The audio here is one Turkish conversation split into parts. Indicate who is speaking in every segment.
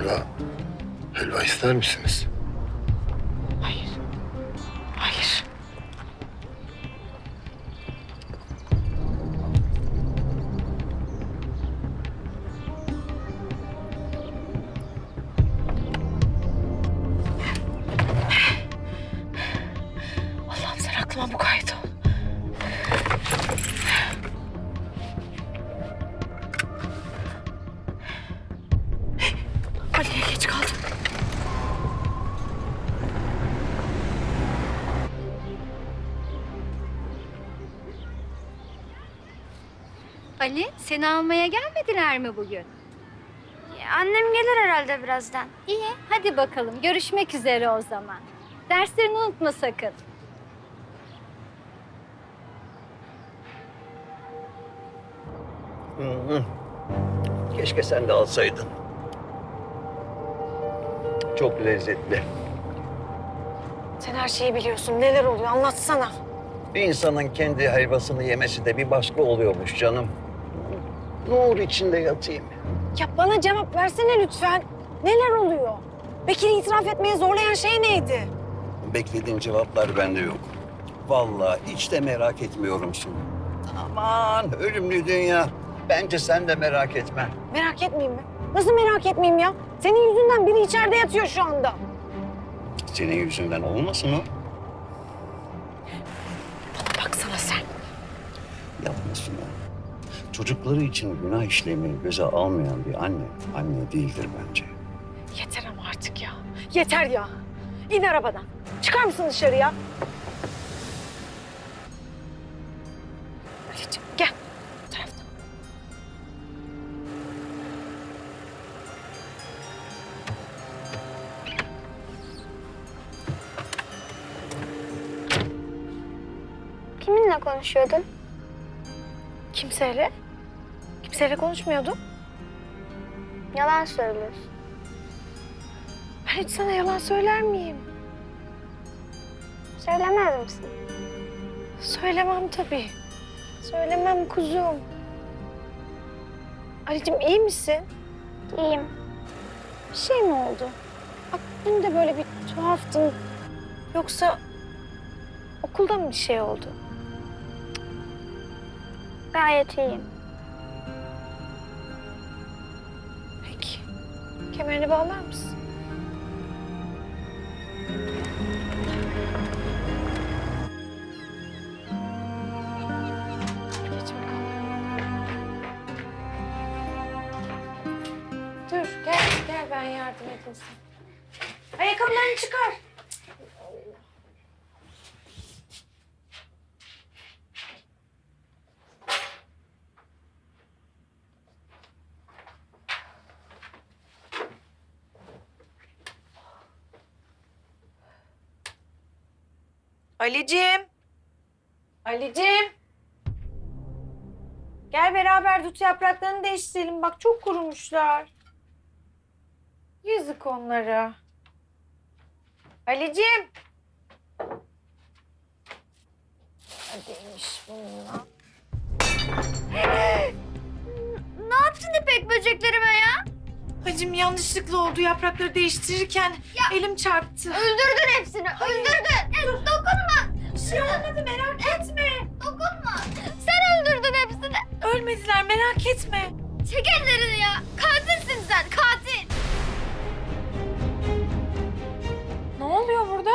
Speaker 1: Helva ister misiniz?
Speaker 2: Hayır. Hayır. Allah'ım sen aklıma mukayyet ol. Ali'ye geç kaldım.
Speaker 3: Ali, seni almaya gelmediler mi bugün?
Speaker 4: Annem gelir herhalde birazdan.
Speaker 3: İyi, hadi bakalım. Görüşmek üzere o zaman. Derslerini unutma sakın.
Speaker 5: Keşke sen de alsaydın. Çok lezzetli.
Speaker 2: Sen her şeyi biliyorsun. Neler oluyor? Anlatsana.
Speaker 5: Bir insanın kendi helvasını yemesi de bir başka oluyormuş canım. Nur içinde yatayım.
Speaker 2: Ya bana cevap versene lütfen. Neler oluyor? Bekir'i itiraf etmeye zorlayan şey neydi?
Speaker 5: Beklediğin cevaplar bende yok. Vallahi hiç de merak etmiyorum şimdi. Aman ölümlü dünya. Bence sen de merak etme.
Speaker 2: Merak etmeyeyim mi? Nasıl merak etmeyeyim ya? Senin yüzünden biri içeride yatıyor şu anda.
Speaker 5: Senin yüzünden olmasın o?
Speaker 2: Baksana sen.
Speaker 5: Yapmasın o. Çocukları için günah işlemeyi göze almayan bir anne değildir bence.
Speaker 2: Yeter ama artık ya. Yeter ya. İn arabadan. Çıkar mısın dışarıya? Ali'ciğim gel. Bu taraftan.
Speaker 4: Kiminle konuşuyordun?
Speaker 2: Kimseyle? Kimseyle konuşmuyordum.
Speaker 4: Yalan söylüyorsun.
Speaker 2: Ben hiç sana yalan söyler miyim?
Speaker 4: Söylemez misin?
Speaker 2: Söylemem tabii. Söylemem kuzum. Ali'cim iyi misin?
Speaker 4: İyiyim.
Speaker 2: Bir şey mi oldu? Bak dün de böyle bir tuhaftın. Yoksa okulda mı bir şey oldu?
Speaker 4: Gayet iyiyim.
Speaker 2: Peki. Kemerini bağlar mısın? Geç bakalım. Dur gel ben yardım edeyim sana. Ayakkabılarını çıkar. Ali'cim. Ali'cim. Gel beraber dut yapraklarını değiştirelim. Bak çok kurumuşlar. Yazık onlara. Ali'cim. Hadiymiş bununla.
Speaker 4: Ne yaptın İpek böceklerime ya?
Speaker 2: Hacım yanlışlıkla oldu. Yaprakları değiştirirken elim çarptı.
Speaker 4: Öldürdün hepsini, öldürdün. Dokunma.
Speaker 2: Bir şey olmadı merak etme.
Speaker 4: Dokunma. Sen öldürdün hepsini.
Speaker 2: Ölmediler merak etme.
Speaker 4: Çek ellerini ya. Katilsin sen, katil.
Speaker 2: Ne oluyor burada?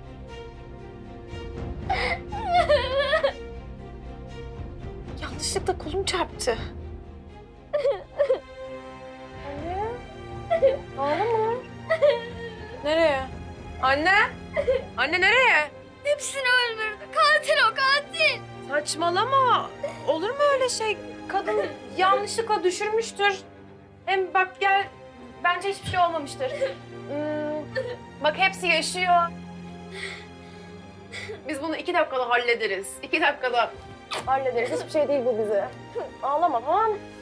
Speaker 2: Yanlışlıkla kolum çarptı. Anne? Ağlama. Nereye? Anne? Anne nereye?
Speaker 4: Hepsini öldürdü. Katil o, katil.
Speaker 2: Saçmalama. Olur mu öyle şey? Kadın yanlışlıkla düşürmüştür. Hem bak gel, bence hiçbir şey olmamıştır. Bak hepsi yaşıyor. Biz bunu 2 dakikada hallederiz. 2 dakikada hallederiz. Hiçbir şey değil bu bize. Ağlama tamam mı?